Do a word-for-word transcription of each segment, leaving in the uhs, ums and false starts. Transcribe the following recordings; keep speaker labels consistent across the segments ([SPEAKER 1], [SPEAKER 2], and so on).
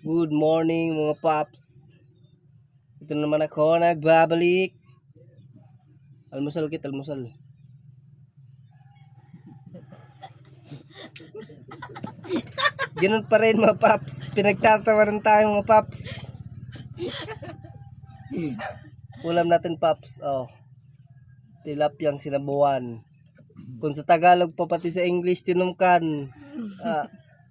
[SPEAKER 1] Good morning mga paps. Ito naman ako nagbabalik. Almusal kit, almusal. Ganun pa rin mga paps. Pinagtatawaran tayo mga paps. Ulam natin paps. Oh. Tilapyang sinabuan. Kung sa Tagalog pa pati sa English tinumkan. Ah.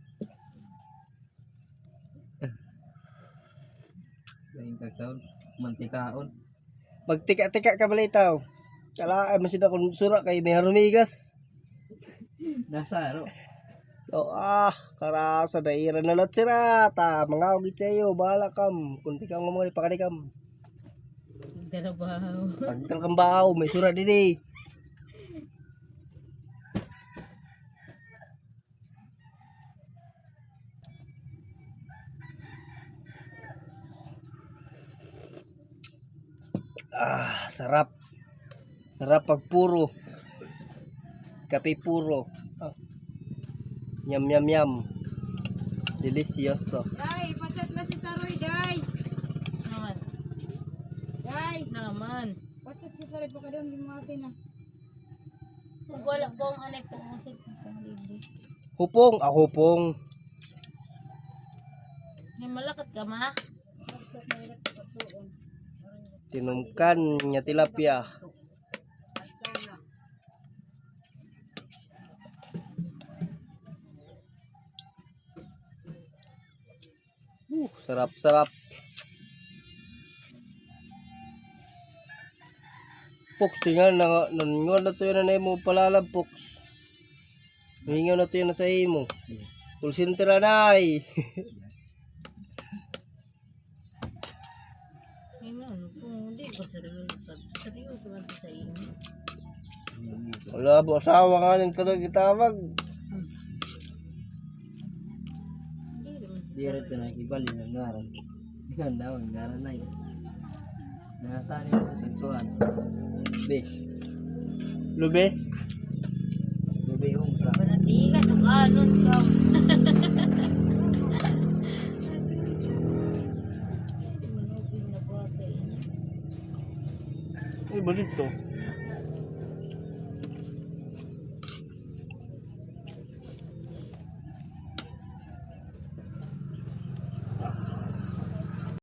[SPEAKER 2] Lain kakaon, mantikaon.
[SPEAKER 1] Magtika-tika ka balitaw. Kala masin ako sura kay may harumigas.
[SPEAKER 2] Nasa aro.
[SPEAKER 1] Oh, ah, karasa daira na lot sirata. Mga ugit sa'yo, bahala kam. Kunti kang ngomong ipakanikam.
[SPEAKER 3] Darabaw.
[SPEAKER 1] Pagkal kang bao, may sura din eh. Ah, sarap. Sarap pag puro. Kape puro. Ah. Yum yum yum. Delicioso.
[SPEAKER 3] Day, pachat na si Taroy, Day. Naman. Day. Naman. Pachat si Taroy, baka daw hindi mga na. Kung wala po ang anay po ang usip ng libre.
[SPEAKER 1] Hupong, ah hupong.
[SPEAKER 3] May malakat ka, ma?
[SPEAKER 1] Tinumkan nya tilapia. Uh, sarap-sarap. Poks, tingnan na nangon na to yun na mo palalab, Poks. Hingaw na to yun na sa imo. Full sintra na ay.
[SPEAKER 3] Ayun, kung hindi ko seryoso. Seryoso man sa inyo.
[SPEAKER 1] Wala po, asawa nga nang talagang itawag.
[SPEAKER 3] Hindi naman.
[SPEAKER 2] Diret na nakibali ng ngaran. Ganda ang ngaran na yun. Nasaan yung sa sintuan? Be.
[SPEAKER 1] Lube?
[SPEAKER 2] Lube yung ka.
[SPEAKER 3] Panatigas ang anon ka.
[SPEAKER 1] Ay, balit to.